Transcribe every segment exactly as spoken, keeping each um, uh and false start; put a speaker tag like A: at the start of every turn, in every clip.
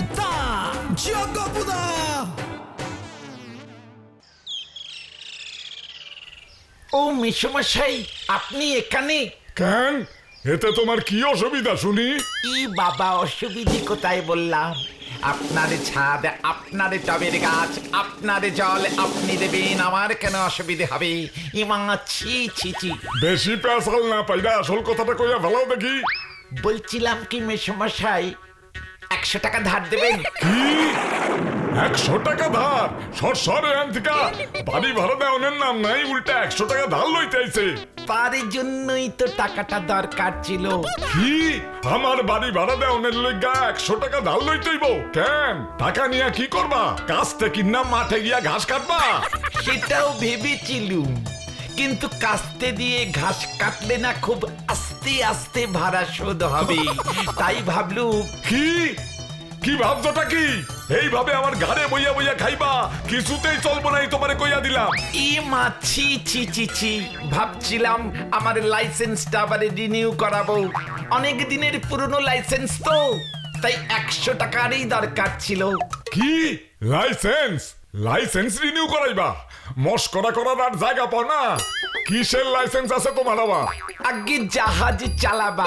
A: গপুদা জিও গপুদা।
B: ও মেসমশাই, আপনি এখানে?
C: কেন, এতে তোমার কি অসুবিধা শুনি?
B: ই বাবা, অসুবিধে কোথায় বললাম? আপনার ছাদ, আপনার টবের গাছ, আপনার জল আপনি দেবেন, আমার কেন অসুবিধে হবে? ইমা ছি ছি ছি।
C: বেশি পেশাল না পাইরা আসল কথাটা কইয়া ভালো দেখি।
B: বলছিলাম কি মেসমশাই, একশো টাকা ধার দেবেন?
C: কি একশো টাকা ধার? সর সর এখান থেকে। বাড়ি ভাড়া দেওয়ার নাম নাই, উল্টা একশো টাকা ধার লইতে আইছে।
B: তার জন্যই তো টাকাটা দরকার ছিল।
C: কি আমার বাড়ি ভাড়া দেওয়ার লইগা একশো টাকা ধার লইতেইব? কেন, টাকা নিয়ে কি করবা? কাস্তে কিনা মাঠে গিয়া ঘাস কাটবা?
B: সেটাও ভেবেছিলুম, কিন্তু কাস্তে দিয়ে ঘাস কাটলে না খুব আস্তে আস্তে ভাড়া শোধ হবে, তাই ভাবলুম।
C: কি কি ভাবছোটা কি? এইভাবে আমার ঘাড়ে বইয়া বইয়া খাইবা? কিছুতেই চলবো নাই, তোমারে কইয়া দিলাম।
B: ই মা ছি ছি ছি ছি। ভাবছিলাম আমার লাইসেন্সটা আবার রিনিউ করাবো, অনেক দিনের পুরনো লাইসেন্স তো, তাই একশো টাকারই দরকার ছিল।
C: কি লাইসেন্স? Licence renew করাইবা? মস্করা করার আর জায়গা পাও না? কিসের লাইসেন্স আছে তোমার আবার?
B: আগে জাহাজ চালাবা।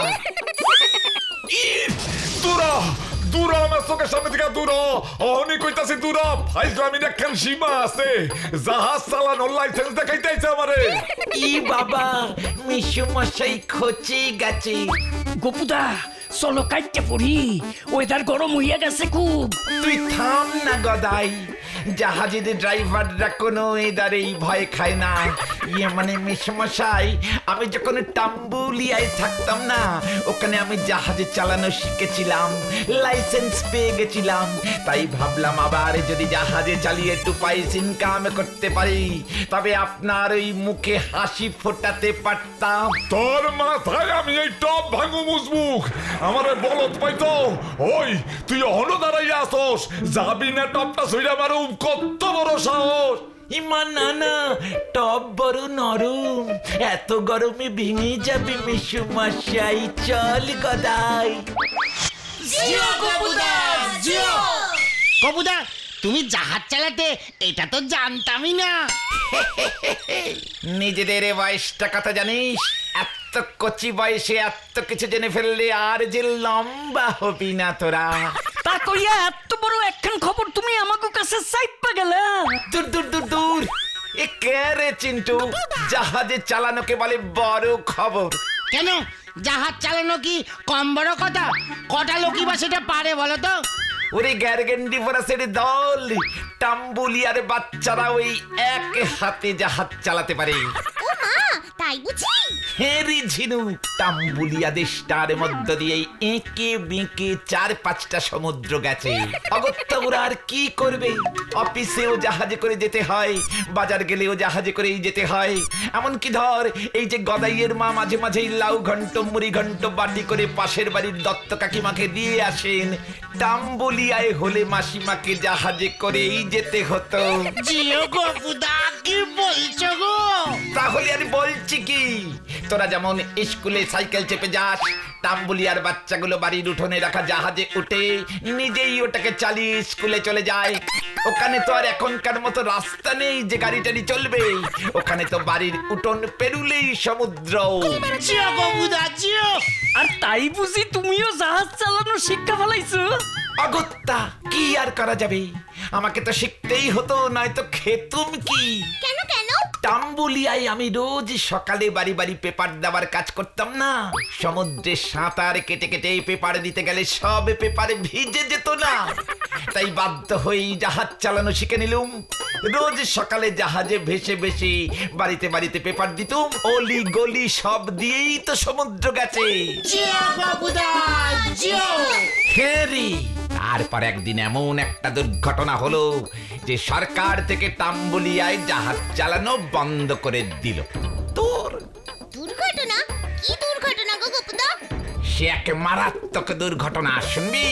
C: দূরা দূরা, আমার চোখের সামনে থেকে দূরা। অহনি কইতাছি দূরা। ফাইজলামির একখান সীমা আছে। জাহাজ চালানোর লাইসেন্স দেখাইতেছে আমারে।
B: ই বাবা, মেসমশাই খচে গেছে।
A: গপুদা চলো কাইটে পড়ি, ওয়েদার গরম হইয়া গেছে খুব।
B: তুই থাম না গদাই, জাহাজের ড্রাইভাররা কোনো এদারেই ভয় খায় না। ইয়ে মানে মেসমশাই, আমি যখন টাম্বুলিয়ায় থাকতাম না, ওখানে আমি জাহাজে চালানো শিখেছিলাম, লাইসেন্স পেয়ে গেছিলাম, তাই ভাবলাম আবার যদি জাহাজে চালিয়ে একটু পয়সা ইনকাম করতে পারি, তবে আপনার ওই মুখে হাসি ফোটাতে পারতাম।
C: তোর মাথায় আমি এই টপ ভাঙু মুজবুক, আমারে বলত পাইতো। ওই তুই অহনো দাঁড়াইয়া আসস, যাবি না টপটা সইরা মারুম? কত বড় সাহস!
B: ইমা না না, টপ বড় নরম, এত গরমে ভেঙে যাবে মেসমশাই, চল গদাই।
D: জিও গপুদা জিও। গপুদা, তুমি জাহাজ চালাতে এটা তো জানতামই না।
B: নিজেদের বয়সটা কথা জানিস? এত কচি বয়সে এত কিছু জেনে ফেললে আর যে লম্বা হবি না তোরা।
A: তা কইয়া এত বড় একখান খবর তুমি আমাকে কাছে চাইপা গেলা?
B: দূর দূর দূর দূর, এ কে রে চিন্টু? জাহাজে চালানোকে বলে বড় খবর।
D: কেন, জাহাজ চালানো কি কম বড় কথা? কটা লোকই বা সেটা পারে বলো তো?
B: ওরে গ্যারগেন্ডি ফরাসের দল, টাম্বুলিয়ার বাচ্চারা ওই এক হাতে জাহাজ চালাতে পারে।
E: ও মা, তাই বুঝি?
B: হেরি ঝিনু, টাম্বুলিয়া দেশটার মধ্য দিয়ে এঁকে বেঁকে চার পাঁচটা সমুদ্র গেছে। অগত্যা ওরা আর কি করবে? অফিসেও জাহাজে করে যেতে হয়, বাজার গেলেও জাহাজে করেই যেতে হয়। এমনকি ধর এই যে গদাইয়ের মা মাঝে মাঝেই লাউ ঘন্ট মুড়ি ঘন্ট বাটি করে পাশের বাড়ির দত্ত কাকিমাকে দিয়ে আসেন, টাম্বুলিয়ায় হলে মাসিমাকে জাহাজে করেই যেতে হতো।
D: জিও গপুদা, কি বলছো গো?
B: তাহলে আর বলছি কি, তোরা যেমন স্কুলে সাইকেল চেপে যাস, টাম্বুলিয়ার বাচ্চাগুলো বাড়ির উঠোনে রাখা জাহাজে উঠে নিজেই ওটাকে চালিয়ে স্কুলে চলে যায়। ওখানে তো আর এখনকার মতো রাস্তা নেই যে গাড়ি টাড়ি চলবে, ওখানে তো বাড়ির উঠোন পেরুলেই সমুদ্র।
D: জিও গপুদা জিও।
A: আর তাই বুঝি তুমিও জাহাজ চালানো শিক্ষা ফেলাইছো?
B: অগত্যা কি আর করা যাবে, আমাকে তো শিখতেই হতো, নয়তো খেতুম কি?
E: কেন কেন?
B: টাম্বুলিয়ায় আমি রোজ সকালে বাড়ি বাড়ি পেপার দেওয়ার কাজ করতাম না। সমুদ্রে সাঁতার কেটে কেটে পেপার দিতে গেলে সব পেপারে ভিজে যেত না, তাই বাধ্য হয়েই জাহাজ চালানো শিখে নিলুম। রোজ সকালে জাহাজে ভেসে ভেসে বাড়িতে বাড়িতে পেপার দিতুম, অলি গলি সব দিয়েই তো সমুদ্র গেছে।
D: জিও গপুদা জিও।
B: হেরি, তারপর একদিন এমন একটা দুর্ঘটনা হলো যে সরকার থেকে টাম্বুলিয়ায় জাহাজ চালানো বন্ধ করে দিল। তোর
E: দুর্ঘটনা? কি দুর্ঘটনা গো গপুদা?
B: সে এক মারাত্মক দুর্ঘটনা, শুনবি?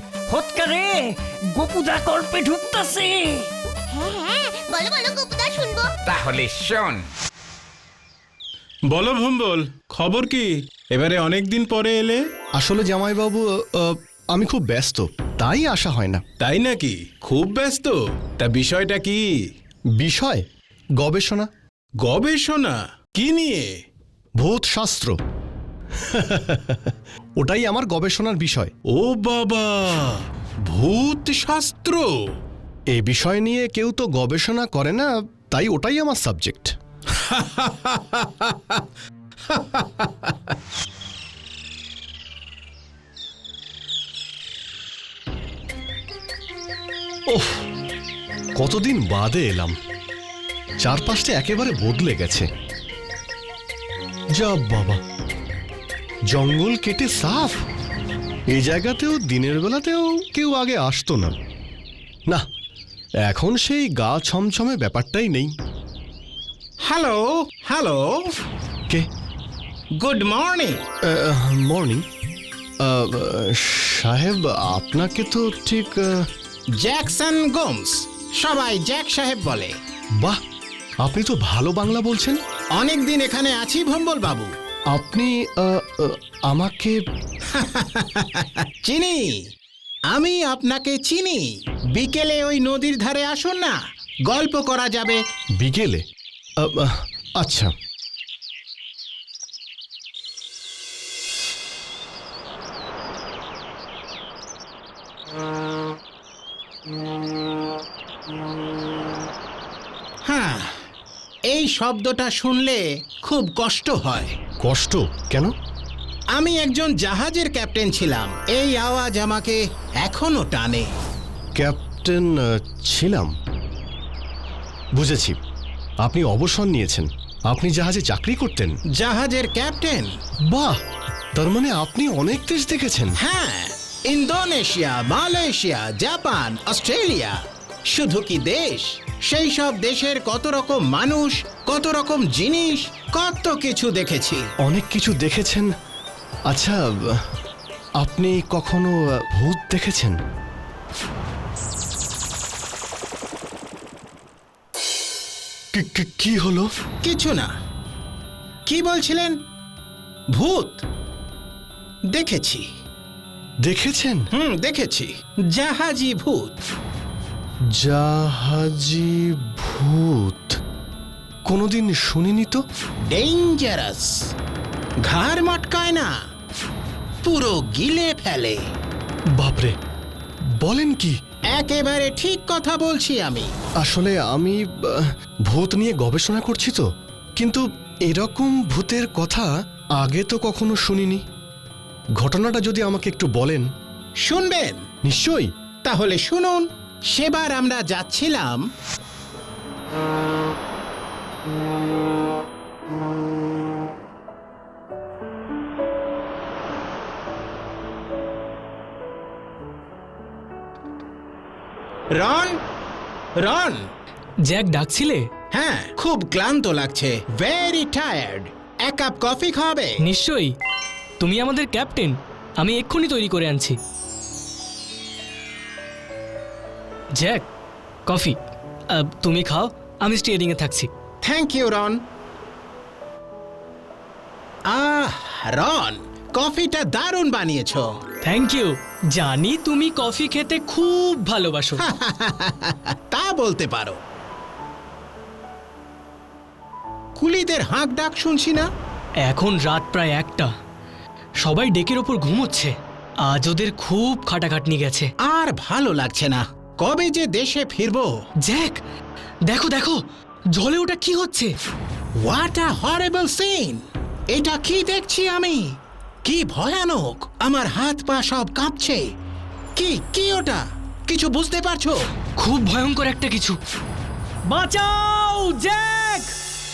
A: হতকারে গপুদা কল্পে ঢুকতাছে।
E: হ্যাঁ হ্যাঁ, বলো বলো গপুদা, শুনবো।
B: তাহলে শোন।
F: বলো ভম্বল, খবর কি? এবারে অনেক দিন পরে এলে।
G: আসলে জামাইবাবু, আহ, আমি খুব ব্যস্ত,
F: তাই আসা হয় না।
G: তাই নাকি? খুব ব্যস্ত? তা বিষয়টা কি?
F: বিষয় গবেষণা।
G: গবেষণা কি নিয়ে?
F: ভূত শাস্ত্র। ওটাই আমার গবেষণার বিষয়।
G: ও বাবা, ভূত শাস্ত্র!
F: এই বিষয় নিয়ে কেউ তো গবেষণা করে না, তাই ওটাই আমার সাবজেক্ট। ওহ, কতদিন বাদে এলাম। চারপাশটা একেবারে বদলে গেছে। যা বাবা, জঙ্গল কেটে সাফ। এই জায়গাতেও দিনের বেলাতেও কেউ আগে আসতো না। না, এখন সেই গা ছমছমে ব্যাপারটাই নেই।
G: হ্যালো হ্যালো,
F: কে?
G: Good morning.
F: মর্নিং সাহেব, আপনাকে তো ঠিক আহ,
G: জ্যাকসন গোমস, সবাই জ্যাক সাহেব বলে।
F: বাহ, আপনি তো ভালো বাংলা বলছেন।
G: অনেক দিন এখানে আছি ভম্বল বাবু।
F: আপনি আহ, আহ, আমাকে
G: চিনি, আমি আপনাকে চিনি। বিকেলে ওই নদীর ধারে আসুন না, গল্প করা যাবে।
F: বিকেলে? আহ, আহ, আচ্ছা।
G: হ্যাঁ, এই শব্দটা শুনলে খুব কষ্ট হয়।
F: কষ্ট কেন?
G: আমি একজন জাহাজের ক্যাপ্টেন ছিলাম, এই আওয়াজ আমাকে এখনো টানে।
F: ক্যাপ্টেন আহ, ছিলাম, বুঝেছি। আপনি অবসর নিয়েছেন। আপনি জাহাজে চাকরি করতেন?
G: জাহাজের ক্যাপ্টেন?
F: বাহ, তার মানে আপনি অনেক দেশ দেখেছেন।
G: হ্যাঁ, ইন্দোনেশিয়া, মালয়েশিয়া, জাপান, অস্ট্রেলিয়া। শুধু কি দেশ, সেই সব দেশের কত রকম মানুষ, কত রকম জিনিস, কত কিছু দেখেছি।
F: অনেক কিছু দেখেছেন। আচ্ছা, আপনি কখনো ভূত দেখেছেন? কি- কি- কি হলো?
G: কিছু না। কি বলছিলেন? ভূত দেখেছি।
F: দেখেছেন?
G: হুম, দেখেছি। জাহাজি ভূত।
F: জাহাজি ভূত? কোনোদিন শুনিনি তো।
G: ডেঞ্জারাস, ঘাড় মটকায় না, পুরো গিলে ফেলে।
F: বাপরে, বলেন কি?
G: একেবারে ঠিক কথা বলছি আমি।
F: আসলে আমি আহ, ভূত নিয়ে গবেষণা করছি তো, কিন্তু এরকম ভূতের কথা আগে তো কখনো শুনিনি। ঘটনাটা যদি আমাকে একটু বলেন।
G: শুনবেন?
F: নিশ্চয়ই।
G: তাহলে শুনুন। সেবার আমরা যাচ্ছিলাম রন, রন।
H: জ্যাক ডাকছিলে?
G: হ্যাঁ, খুব ক্লান্ত লাগছে, ভেরি টায়ার্ড। এক কাপ কফি খাবে?
H: নিশ্চয়ই। তুমি আমাদের ক্যাপ্টেন, আমি এক্ষুনি তৈরি করে আনছি। Jack, coffee. আহ, তুমি খাও, আমি স্টিয়ারিংয়ে থাকছি।
G: থ্যাংক ইউ রন। আহ রন, কফিটা দারুণ বানিয়েছো।
H: Thank you. জানি তুমি কফি খেতে খুব ভালোবাসো।
G: তা বলতে পারো। কুলিদের হাঁক ডাক শুনছি না?
H: এখন রাত প্রায় একটা, সবাই ডেকের ওপর ঘুমোচ্ছে। আজ ওদের খুব খাটাখাটনি গেছে।
G: আর ভালো লাগছে না। কবে যে দেশে ফিরবো।
H: জ্যাক, দেখো দেখো, জলে ওটা কি হচ্ছে?
G: What a horrible scene! এটা কি দেখছি আমি? কি ভয়ানক! আমার হাত পা সব কাঁপছে। কি কি ওটা? কিছু বুঝতে পারছো?
H: খুব ভয়ঙ্কর একটা কিছু। বাঁচাও জ্যাক!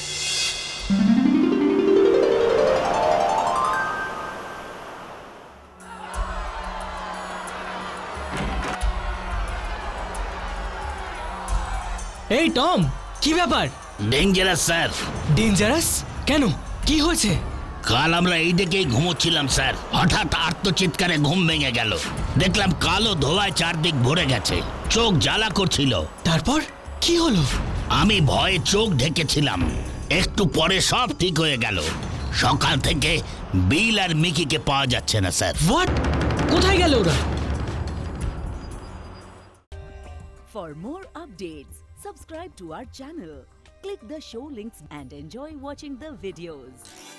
H: এই টম, কি ব্যাপার?
I: Dangerous sir.
H: ডেঞ্জারাস কেন? কি হয়েছে?
I: কাল আমরা এই দিকেই ঘুমোচ্ছিলাম স্যার, হঠাৎ আর্তচিৎকারে ঘুম ভেঙে গেল। দেখলাম কালো ধোঁয়ায় চারদিক ভরে গেছে, চোখ জ্বালা করছিল।
H: তারপর কি হলো?
I: আমি ভয়ে চোখ ঢেকেছিলাম, একটু পরে সব ঠিক হয়ে গেল। সকাল থেকে বিল আর মিকিকে পাওয়া যাচ্ছে না স্যার।
H: হোয়াট? কোথায় গেল ওরা?
J: For more updates, subscribe to our channel, click the show links and enjoy watching the videos.